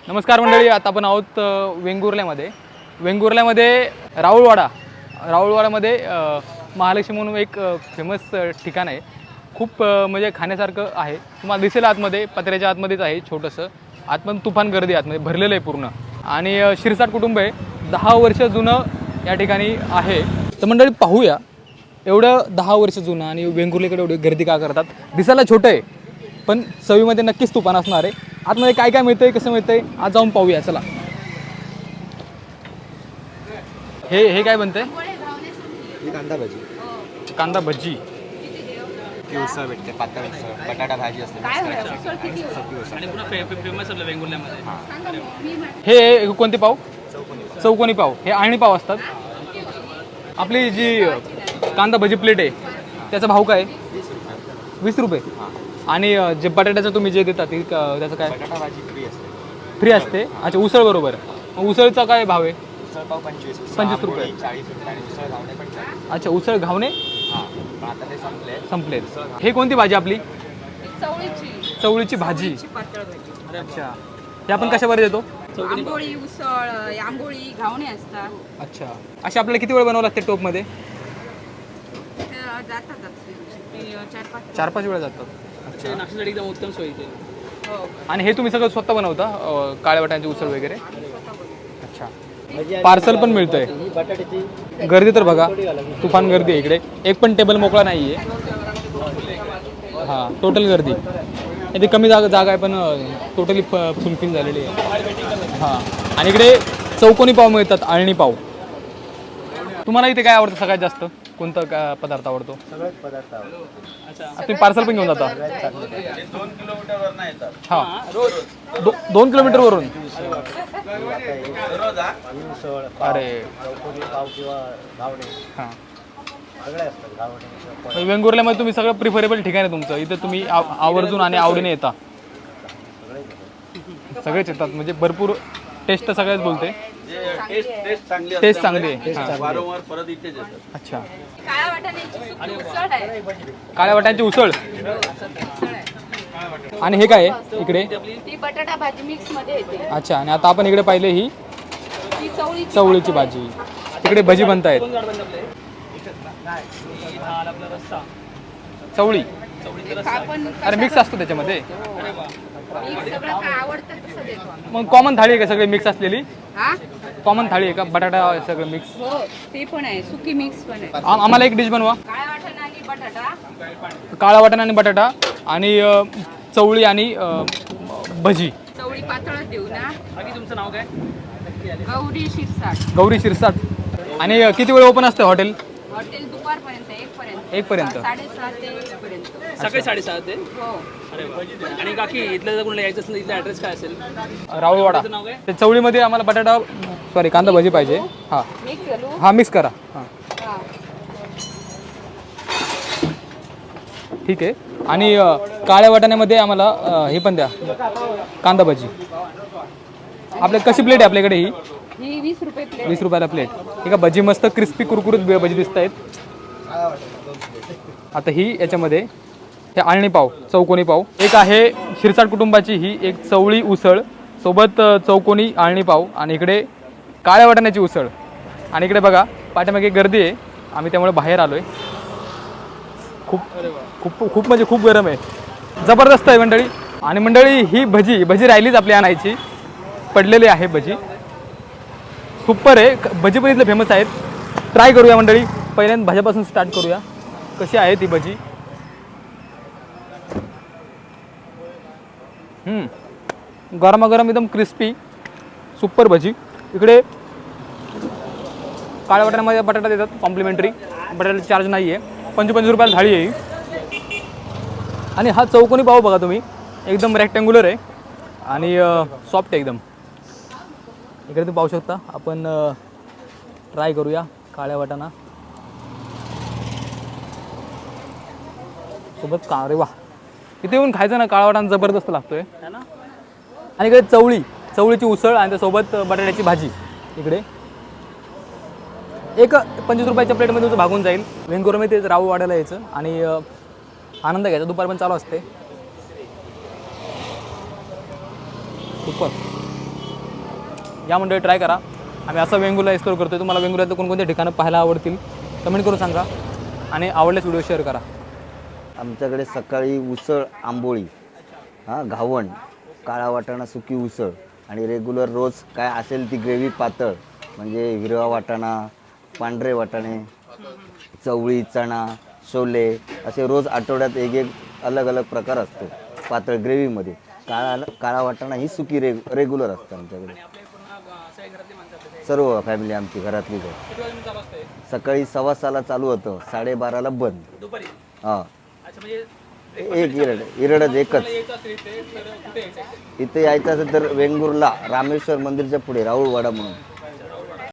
नमस्कार मंडळी, आता आपण आहोत वेंगुर्ल्यामध्ये राऊळवाडामध्ये महालक्ष्मी म्हणून एक फेमस ठिकाण आहे. खूप म्हणजे खाण्यासारखं आहे. तुम्हाला दिसेल आतमध्ये, पत्र्याच्या आतमध्येच आहे छोटंसं. आतमध्ये तुफान गर्दी, आतमध्ये भरलेलं आहे पूर्ण. आणि शिरसाट कुटुंब आहे, 10 वर्ष जुनं या ठिकाणी आहे. तर मंडळी पाहूया, एवढं 10 वर्ष जुनं आणि वेंगुर्ल्याकडे एवढी गर्दी का करतात. दिसायला छोटं आहे पण चवीमध्ये नक्कीच तुफान असणार आहे. आतमध्ये काय काय मिळतंय, कसं मिळतंय, आज जाऊन पाहूया. चला. हे काय बनतंय? कांदा भजी. कांदा भजी. उसळ भेटते, पातळ उसळ, बटाटा भाजी असते. आणि पुन्हा फेमस आपलं वेंगुर्ल्यामध्ये हे कोणते पाव? चौकोनी पाव. हे आळणी पाव असतात. आपली जी कांदा भजी प्लेट आहे त्याचा भाव काय? 20 रुपये. आणि जे बटाट्याचं तुम्ही जे देता ते त्याचं काय? बटाटा भाजी फ्री असते. अच्छा, उसळ बरोबर. उसळचा काय भाव आहे? उसळ पाव 25 रुपये. 40 रुपये. आणि उसळ घावणे पण 40. अच्छा, उसळ घावणे पण आता ते संपले. हे कोणती भाजी आपली? चवळीची भाजी. अच्छा, हे आपण कशावर देतो? आंबोळी, उसळ, आंबोळी, घावणे असतात. अच्छा, असे आपल्याला किती वेळ बनावं लागते टोपमध्ये? जातात 4-5 वेळा जातात. अच्छा, नाश्त्यासाठी एकदम उत्तम सोयीचे. हो. आणि हे तुम्ही सगळं स्वतः बनवता? काळ्या वाटाण्याची उसळ वगैरे? अच्छा, पार्सल पण मिळतंय. गर्दी तर बघा, तुफान गर्दी आहे इकडे. एक पण टेबल मोकळा नाही आहे. हां, टोटल गर्दी. इथे कमी जागा आहे पण टोटली फुलफिल झालेली आहे. हां, आणि इकडे चौकोनी पाव मिळतात, आळणी पाव. तुम्हाला इथे काय आवडतं सगळ्यात जास्त? कोणता पदार्थ आवडतो? सगळेच पदार्थ आवडतात. तुम्ही पार्सल पण घेऊन जाता? 2 किलोमीटरवरून येतात. हां, 2 किलोमीटरवरून. उसळ, अरे चौकोनी पाव किंवा घावणे हां, सगळे असतात. घावणे वेंगुर्ल्यामध्ये तुम्ही सगळं प्रिफरेबल ठिकाण आहे तुमचं. इथं तुम्ही आवर्जून आणि आवडीने येता. सगळेच येतात म्हणजे भरपूर. टेस्ट तर सगळ्याच बोलते. टेस्ट चांगली आहे. वारंवार परत इथेच येतात. अच्छा, काळ्या वाटाण्याची सुकी उसळ आहे. काळ्या वाटाण्याची उसळ. आणि हे काय आहे इकडे? ती बटाटा भाजी मिक्स मध्ये येते. अच्छा, आणि आता आपण इकडे पाहिले ही ती चवळीची भाजी. तिकडे भजी बनतायत. चवळी. अरे मिक्स असतो त्याच्यामध्ये. सगळं काय आवडतं तसं देतो आम्ही. मग कॉमन थाळी आहे का सगळी मिक्स असलेली? हा, कॉमन थाळी आहे का? बटाटा सगळं मिक्स? हो, ते पण आहे. सुकी मिक्स पण आहे. आम्हाला एक डिश बनवा. काळ्या वाटाणा आणि बटाटा. काळा वाटाणा आणि बटाटा आणि चवळी आणि भजी. चवळी पातळच देऊ ना. बाकी तुमचं नाव काय? गौरी शिरसाट. गौरी शिरसाट. आणि किती वेळ ओपन असतं हॉटेल? हॉटेल दुपारपर्यंत 1 1 पर्यंत. 7:30 ते 1 पर्यंत. सकाळी 7:30 ते. हो. अरे वा. आणि काकी इथलं जर कोणाला यायचं असेल इथला ॲड्रेस काय असेल? राऊळवाडा. नाव काय? ते चवळीमध्ये आम्हाला बटाटा कांदा भजी पाहिजे. हां मिक्स घालू. हां, मिक्स करा. हां, हा. ठीक आहे. आणि काळ्या वाटाण्यामध्ये आम्हाला हे पण द्या, कांदा भजी. आपल्या कशी प्लेट आहे आपल्याकडे ही? ही 20 रुपये प्लेट. 20 रुपयाला प्लेट. ठीक आहे. भजी मस्त क्रिस्पी कुरकुरीत भजी दिसत आहेत. आता ही याच्यामध्ये हे आळणी पाव, चौकोनी पाव. एक आहे शिरसाट कुटुंबाची ही एक चवळी उसळ सोबत चौकोनी आळणी पाव. आणि इकडे काळ्या वाटाण्याची उसळ. आणि इकडे बघा पाठीमागे गर्दी आहे, आम्ही त्यामुळे बाहेर आलो आहे. खूप खूप खूप म्हणजे खूप गरम आहे. जबरदस्त आहे मंडळी. आणि मंडळी ही भजी राहिलीच आपली आणायची, पडलेली आहे भजी. सुपर आहे. भजी पण इथले फेमस आहेत. ट्राय करूया मंडळी. पहिल्यांदा भाज्यापासून स्टार्ट करूया. कशी आहे ती भजी? गरमागरम एकदम क्रिस्पी सुपर भजी. इकडे काळ्या वाटाण्यामध्ये बटाटा देतात कॉम्प्लिमेंटरी. बटाट्याला चार्ज नाही आहे. 25 रुपयाला थाळी आहे. आणि हा चौकोनी पाव बघा तुम्ही, एकदम रेक्टँग्युलर आहे आणि सॉफ्ट आहे एकदम. इकडे तुम्ही पाहू शकता. आपण ट्राय करूया काळ्या वाटाणा सोबत अरे वा, इथे येऊन खायचं ना काळा वाटाणा जबरदस्त लागतोय. आणि इकडे चवळीची उसळ आणि त्यासोबत बटाट्याची भाजी. इकडे एक 25 रुपयाच्या प्लेटमध्ये तुमचं भागून जाईल. वेंगुर्ल्यामध्ये तेच राऊळवाड्याला यायचं आणि आनंद घ्यायचा. दुपार पण चालू असते. सुपर. या मंडळी ट्राय करा. आम्ही असं वेंगुर्ला एक्सप्लोर करतोय. तुम्हाला वेंगुर्ल्यात कोणकोणते ठिकाणं पाहायला आवडतील कमेंट करून सांगा आणि आवडल्यास व्हिडिओ शेअर करा. आमच्याकडे सकाळी उसळ आंबोळी, घावण, काळा वाटाणा सुकी उसळ आणि रेग्युलर रोज काय असेल ती ग्रेव्ही पातळ, म्हणजे हिरवा वाटाणा, पांढरे वाटाणे, चवळी, चणा, छोले असे रोज आठवड्यात एक अलग अलग प्रकार असतो पातळ ग्रेव्हीमध्ये. काळा वाटाणा ही सुकी रेग्युलर असतं आमच्याकडे. सर्व फॅमिली आमची घरातलीच आहे. सकाळी 6:15ला चालू होतं, 12:30ला बंद. दुपारी हां, अच्छा म्हणजे एक इरडच एकच. इथे यायचं असेल तर वेंगुर्ला रामेश्वर मंदिरच्या पुढे राहुळवाडा म्हणून